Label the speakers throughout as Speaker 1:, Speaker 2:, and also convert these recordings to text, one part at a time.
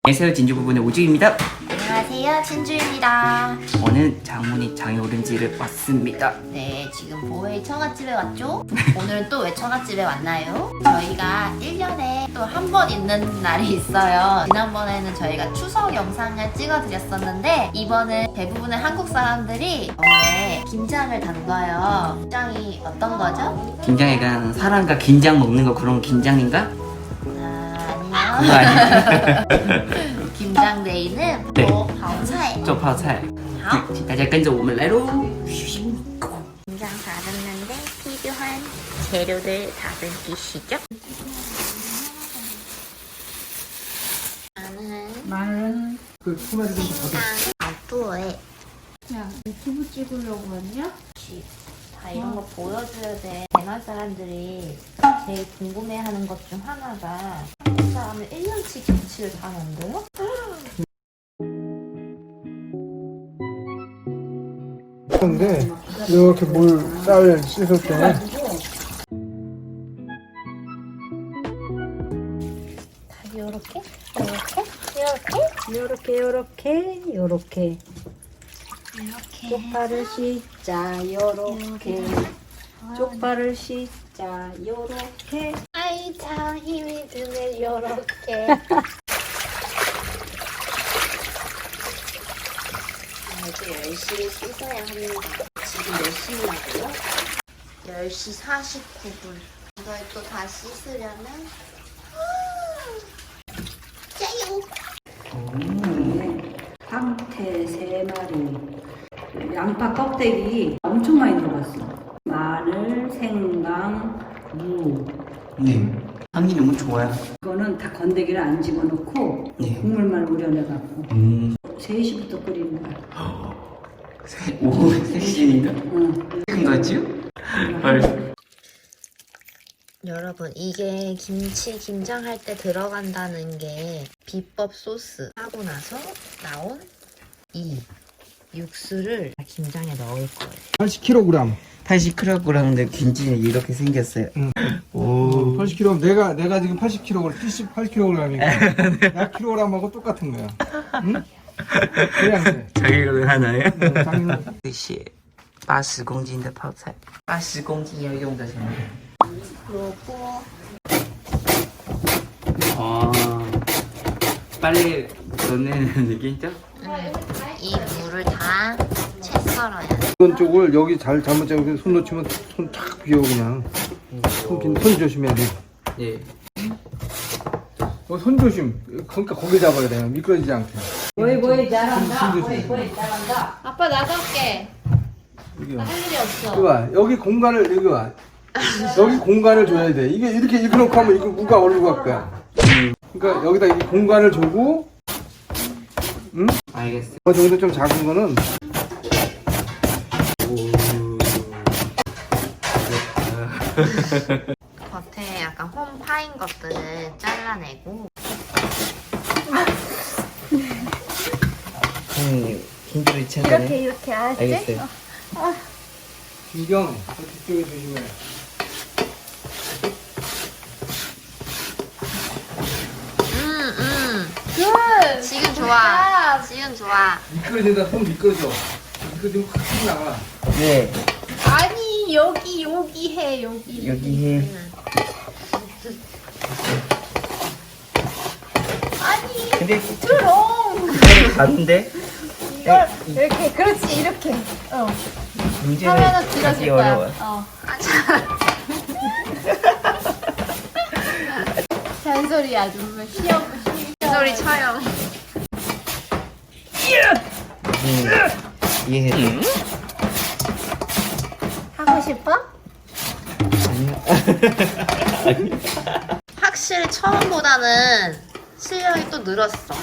Speaker 1: 안녕하세요, 진주 부부의 우주입니다.
Speaker 2: 안녕하세요, 진주입니다.
Speaker 1: 오늘 장모님 장요름지를 왔습니다.
Speaker 2: 네, 지금 보헤이 처갓집에 왔죠? 오늘은 또 왜 처갓집에 왔나요? 저희가 1년에 또 한 번 있는 날이 있어요. 지난번에는 저희가 추석 영상을 찍어드렸었는데 이번은 대부분의 한국 사람들이 오늘 김장을 담가요. 김장이 어떤 거죠?
Speaker 1: 김장이가 사람과 긴장 먹는 거 그런 긴장인가?
Speaker 2: 아니요.
Speaker 1: 그거 아니야.
Speaker 2: 김장데이는
Speaker 1: 네. 做泡菜. 请大家跟着我们来喽.
Speaker 2: 김장 다듬는데 필요한 재료들 다듬기시죠?
Speaker 3: 마늘 그 토마토 좀
Speaker 2: 또
Speaker 3: 야, 유튜브 찍으려고 왔냐?
Speaker 2: 다 이런 거 보여줘야 돼. 대만 사람들이 제일 궁금해하는 것 중 하나가 한국 사람은 1년치 김치를 다 만들어?
Speaker 3: 근데 이렇게 쌀 씻을 때
Speaker 2: 다 요렇게?
Speaker 4: 요렇게 쪽파를 씻자 요렇게 쪽파를 씻자 요렇게
Speaker 2: 아이 참 힘이 드네 요렇게. 아주 열심히 씻어야 합니다. 지금 몇 시냐고요? 10시 49분. 이걸 또 다 씻으려면 짜요.
Speaker 4: 황태 3마리 양파 껍데기 엄청 많이 들어갔어. 마늘, 생강, 무.
Speaker 1: 네. 향이 너무 좋아요.
Speaker 4: 이거는 다 건더기를 안 집어넣고
Speaker 1: 네.
Speaker 4: 국물만 우려내갖고 3시부터 끓이는 거야.
Speaker 1: 오후 3시입니다.
Speaker 4: 응.
Speaker 1: 큰 거지요?
Speaker 2: 여러분, 이게 김치 김장할 때 들어간다는 게 비법 소스 하고 나서 나온 이 육수를 김장에 넣을 거예요.
Speaker 3: 80kg.
Speaker 1: 80kg인데 김치는 이렇게 생겼어요. 오.
Speaker 3: 80kg. 내가 지금 80kg, 78kg이니까 약 킬로그램하고 똑같은 거야. 응? 그냥 돼.
Speaker 1: 자기가 하나요?
Speaker 3: 장인은
Speaker 1: 这些80公斤的泡菜，80公斤要用的什么？
Speaker 2: 그리고
Speaker 1: 아, 빨리 넣는 느낌이죠?
Speaker 2: 이 물을 다 채 썰어야 돼.
Speaker 3: 이건 쪽을 여기 잘못 잡고 손 놓치면 손 탁 비어 그냥. 손 조심해야 돼.
Speaker 1: 예.
Speaker 3: 손 조심. 그러니까 거기 잡아야 돼. 미끄러지지 않게.
Speaker 4: 뭐이 잘한다.
Speaker 3: 손 조심.
Speaker 4: 잘한다.
Speaker 2: 아빠 나갈게.
Speaker 3: 여기
Speaker 2: 나 할 일이 없어.
Speaker 3: 여기 봐. 여기 공간을 여기 봐. 여기 공간을 줘야 돼. 이게 이렇게 놓고 하면 이거 누가 어디로 갈 거야? 그러니까 여기다 이 공간을 주고, 응?
Speaker 1: 알겠어.
Speaker 3: 그 정도 좀 작은 거는
Speaker 2: 겉에 약간 홈 파인 것들을 잘라내고
Speaker 1: 힘들이 찾아내.
Speaker 2: 이렇게
Speaker 1: 알겠어요.
Speaker 3: 이경 저 뒤쪽에 조심해.
Speaker 2: 지금 좋아. 지금 좋아.
Speaker 3: 미끄러지다 손 미끄러져. 미끄러지면 확 나가.
Speaker 1: 네.
Speaker 2: 아니 여기 해 여기.
Speaker 1: 여기 해.
Speaker 2: 아니
Speaker 1: 근데
Speaker 2: 그럼
Speaker 1: 가는데
Speaker 2: 이걸 이렇게 그렇지 이렇게.
Speaker 1: 문제는
Speaker 2: 하면은
Speaker 1: 하기
Speaker 2: 들어질 거야.
Speaker 1: 어려워.
Speaker 2: 잔소리 아주 시험 잔소리 쳐요.
Speaker 1: 이해해.
Speaker 2: 하고 싶어?
Speaker 1: 아니요.
Speaker 2: 확실히 처음보다는 실력이 또 늘었어.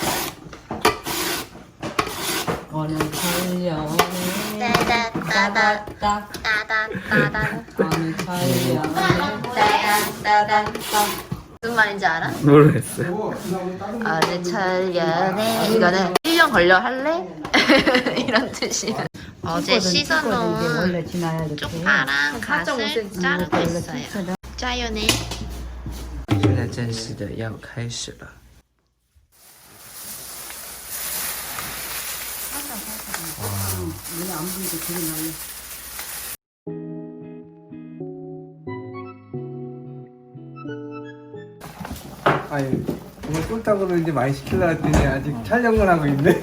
Speaker 4: 어느 철년에
Speaker 2: 따다따다
Speaker 4: 따다
Speaker 2: 따다따다
Speaker 4: 어느 철년에
Speaker 2: 따다따다 무슨 말인지 알아?
Speaker 1: 모르겠어요.
Speaker 2: 어느 철년에 이거는 1년 걸려 할래? 이런 뜻이야. 어제 씻어놓은
Speaker 4: 원래 지나야 돼.
Speaker 2: 쪽파랑 갓을 자르고 있어요. 짜요네.
Speaker 1: 现在正式的要开始了。
Speaker 4: 눈에 안 보이게 되게 날려.
Speaker 3: 아니 오늘 꿀떡으로 이제 많이 시키려 했더니 아직 촬영을 하고 있네.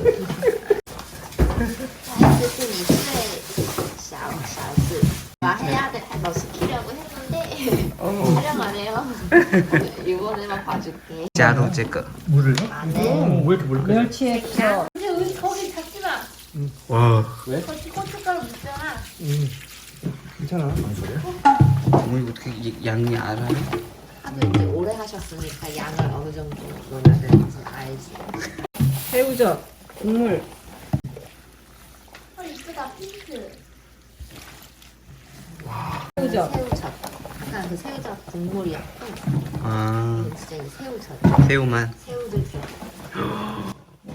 Speaker 2: 小子把黑鸭的너 시키려고 했는데 촬영 안 해요. 이번에만 봐줄게.
Speaker 1: 자루 제거.
Speaker 3: 물을?
Speaker 2: 마늘,
Speaker 3: 왜 이렇게 물까지?
Speaker 4: 멸치액젓.
Speaker 2: 근데 여기 거기 잡지 마.
Speaker 1: 와.
Speaker 3: 왜?
Speaker 2: 거기 고춧가루 묻잖아.
Speaker 3: 괜찮아. 뭔 소리야?
Speaker 1: 어머니 어떻게 양이 알아요?
Speaker 2: 하도 이제 오래 하셨으니까 양을 어느 정도 넣어야 되는지 알지.
Speaker 4: 새우젓, 국물.
Speaker 2: 이쁘다 핑크.
Speaker 4: 새우젓.
Speaker 2: 새우젓. 아까 그 새우젓 국물이었고
Speaker 1: 아,
Speaker 2: 이건 진짜 이 새우젓.
Speaker 1: 새우만.
Speaker 2: 새우들 들어.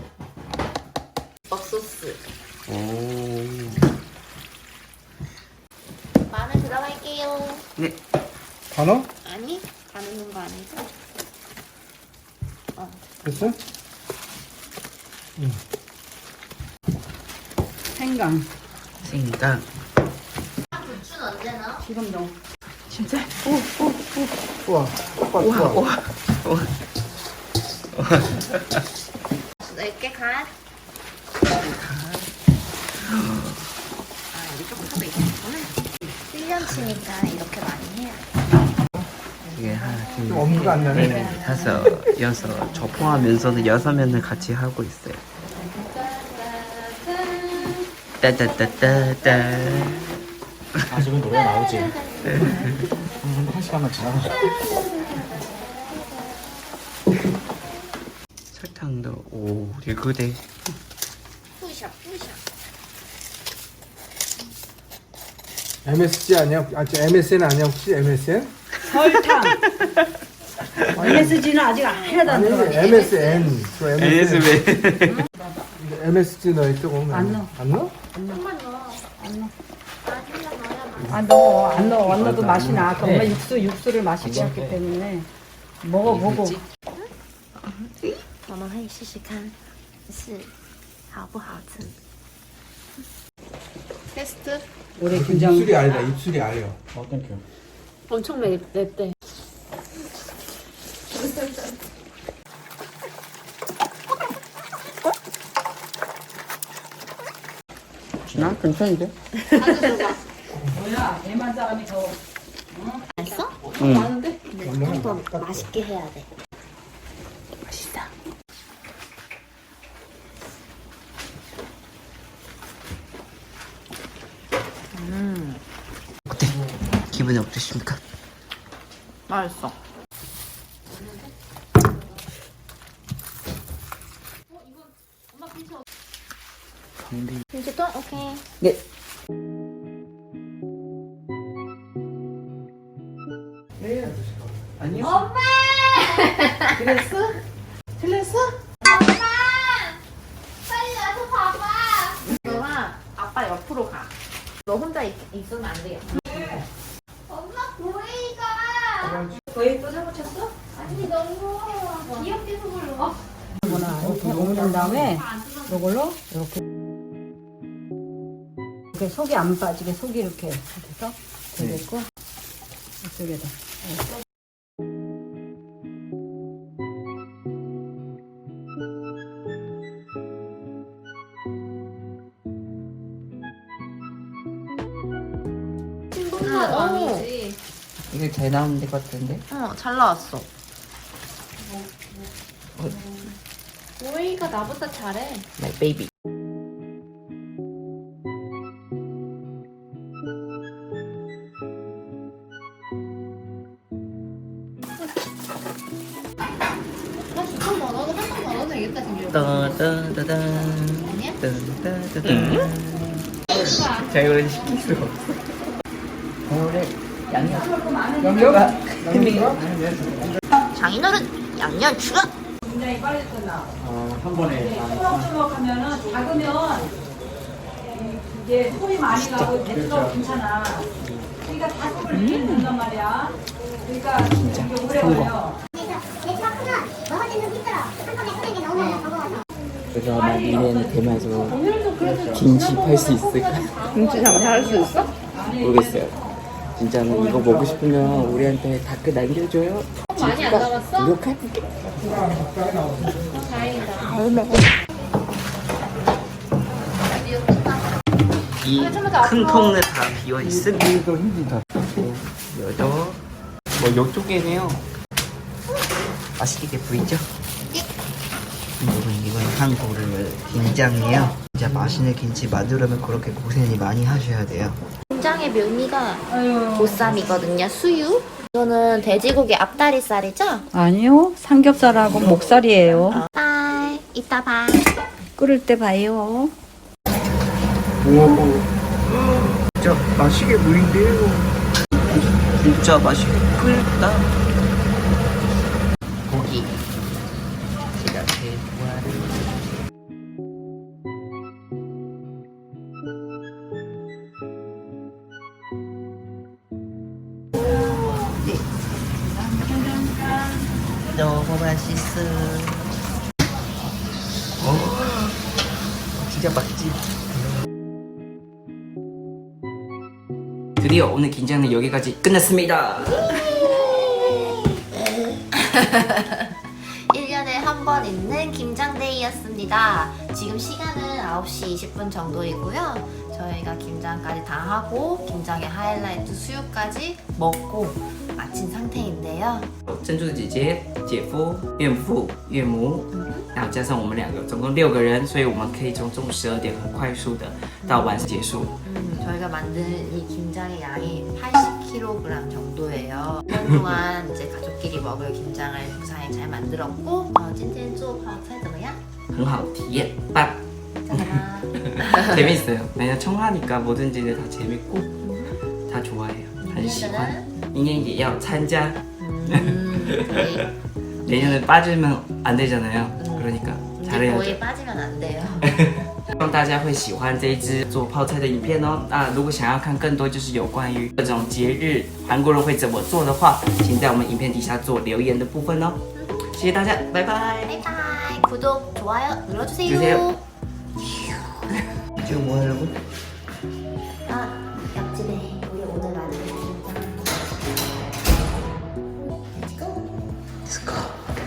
Speaker 2: 옥소스.
Speaker 1: 오.
Speaker 2: 마늘 들어갈게요.
Speaker 1: 네.
Speaker 3: 다 넣어?
Speaker 2: 아니 다 넣는 거 아니죠?
Speaker 3: 됐어?
Speaker 4: 생강.
Speaker 1: 생강.
Speaker 2: 부추는 언제 넣어?
Speaker 4: 지금 넣어.
Speaker 1: 진짜?
Speaker 3: 우와.
Speaker 1: 우와, 우와. 우와.
Speaker 2: 넓게 간. 아, 여기 조금 더 있구나. 1년치니까 이렇게 많이 해야 돼.
Speaker 1: 이게 하나, 둘,
Speaker 3: 좀 엄두가 안 나네.
Speaker 1: 넷, 다섯, 여섯. 저 포함하면서도 6면을 같이 하고 있어요. 따따따따따.
Speaker 5: 아직은 노래 나오지. 한 시간만 지나가.
Speaker 1: 설탕도 오, 리그대.
Speaker 2: 푸셔, 푸셔.
Speaker 3: MSG 아니야? 아, 저 MSN 아니야 혹시 MSN?
Speaker 4: 설탕. MSG는 아직 하나도 안
Speaker 3: 아니
Speaker 4: 들어가.
Speaker 3: MSN. 저 MSN.
Speaker 1: NSB.
Speaker 3: MSG 넣어있죠? 그러면
Speaker 4: 안 넣어.
Speaker 3: 안 넣어?
Speaker 2: 조금만 넣어.
Speaker 4: 안 넣어.
Speaker 2: 마지막 넣어야 맛있어.
Speaker 4: 안 넣어. 안 넣어. 안 넣어도 맛이 나. 아까 엄마 육수를 마시게 했기 때문에 먹어보고.
Speaker 2: 我们可以试试看是好不好吃 테스트?
Speaker 4: 올해 김장.
Speaker 3: 입술이 아니다. 입술이 아려.
Speaker 5: 어, 땡큐.
Speaker 2: 엄청 맵대.
Speaker 1: 나 괜찮은데?
Speaker 4: 뭐야? 대만 사람이 더.
Speaker 2: 맛있어?
Speaker 1: 응.
Speaker 2: 많은데? 좀 더 맛있게 해야 돼.
Speaker 1: 맛있다. 어때? 기분이 어떠십니까?
Speaker 2: 맛있어. 이제 또 오케이.
Speaker 1: 네. 아니요.
Speaker 2: 엄마!
Speaker 1: 그랬어? 틀렸어?
Speaker 2: 엄마! 빨리 와서 봐봐. 너가 아빠 옆으로 가. 너 혼자 있으면 안 돼요. 엄마 고래이가.
Speaker 4: 거의 또 사고 쳤어?
Speaker 2: 아니 너무 귀엽게 소불러.
Speaker 4: 이렇게 올린 다음에 이걸로 이렇게 속이 안 빠지게 속이 이렇게 해서 되겠고 이쪽에다.
Speaker 2: 친구가 아니지.
Speaker 1: 이게 잘 나오는 것 같은데?
Speaker 2: 잘 나왔어. 고래이가 나보다 잘해.
Speaker 1: My baby.
Speaker 2: 나 주통 번호도 한번 번호 되겠다 지금.
Speaker 1: 따따따따.
Speaker 2: 아니야?
Speaker 1: 따따따따. 자, 이거는 시킬 수가 없어. 오늘 양념?
Speaker 2: 장인어른 양념 추가.
Speaker 4: 굉장히 빨리 끝나.
Speaker 5: 한 번에.
Speaker 4: 하면은 작으면 이게 소리 많이 나고 대수가 괜찮아. 그러니까 다 속을 넣는단 말이야. 그러니까 이게 오래 걸려.
Speaker 6: 그래서 얘가 크면 먹어지는 힘들어. 한꺼번에 끓는 게 너무 버거워서.
Speaker 1: 그래서 만일에는 대만에서 김치 팔 수 있을까?
Speaker 2: 김치 장사할 수 있어?
Speaker 1: 모르겠어요. 진짜는 이거 먹고 싶으면 우리한테 댓글 남겨줘요.
Speaker 2: 많이 안 남았어?
Speaker 1: 노력할게. 이 큰 통을 다 비워 있음.
Speaker 3: 이거 힘들다.
Speaker 1: 여도 뭐 이쪽에네요. 맛있게 보이죠? 여러분 이건 한국을 김장이에요. 진짜 맛있는 김치 만들려면 그렇게 고생이 많이 하셔야 돼요.
Speaker 2: 김장의 묘미가 보쌈이거든요. 수유. 이거는 돼지고기 앞다리살이죠?
Speaker 4: 아니요, 삼겹살하고 목살이에요.
Speaker 2: 바이. 이따 봐.
Speaker 4: 끓을 때 봐요.
Speaker 3: 우와.
Speaker 1: 진짜 맛있게 보인대요. 진짜 맛있게 끓였다. 고기 제가 제일 좋아하는 너무 맛있어. 진짜 맛있지. 드디어 오늘 긴장은 여기까지 끝났습니다.
Speaker 2: 1년에 한 번 있는 김장데이였습니다. 지금 시간은 9시 20분 정도이고요. 저희가 김장까지 다 하고 김장의 하이라이트 수유까지 먹고 마친 상태인데요.
Speaker 1: 珍珠姐姐、姐夫、岳父、岳母，然后加上我们2个，总共6个人，所以我们可以从中午12点很快速的到晚上结束。
Speaker 2: 저희가 만든 이 김장의 양이 80kg 정도예요. 1년 동안 이제 가족끼리 먹을 김장을 무사히 잘 만들었고 今天做泡菜怎么样?
Speaker 1: 很好体验棒. 재밌어요. 왜냐 청하니까 뭐든지 다 재밌고 다 좋아해요. 很喜欢. 인연也要参加. 내년에 빠지면 안 되잖아요. 그러니까 잘해야죠.
Speaker 2: 거의 빠지면 안 돼요.
Speaker 1: 希望大家会喜欢这一支做泡菜的影片哦。那如果想要看更多就是有关于各种节日韩国人会怎么做的话，请在我们影片底下做留言的部分哦。谢谢大家，拜拜。
Speaker 2: 바이바이. 구독, 좋아요 눌러주세요.
Speaker 1: 주세요. 지금 뭐 하려고?
Speaker 2: 옆집에 우리 오늘 만든 김장. Let's go.
Speaker 1: Let's go.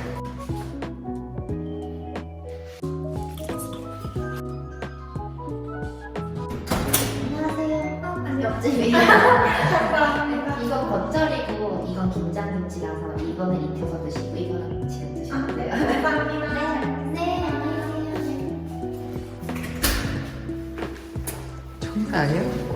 Speaker 2: 안녕하세요. 옆집이에요. 이건 겉절이고 이건 김장김치라서 이거는 익혀서 드시고 이거는 지금 드시면 돼요. 감사합니다. 네. 안녕히 가세요.
Speaker 1: 청가 아니야?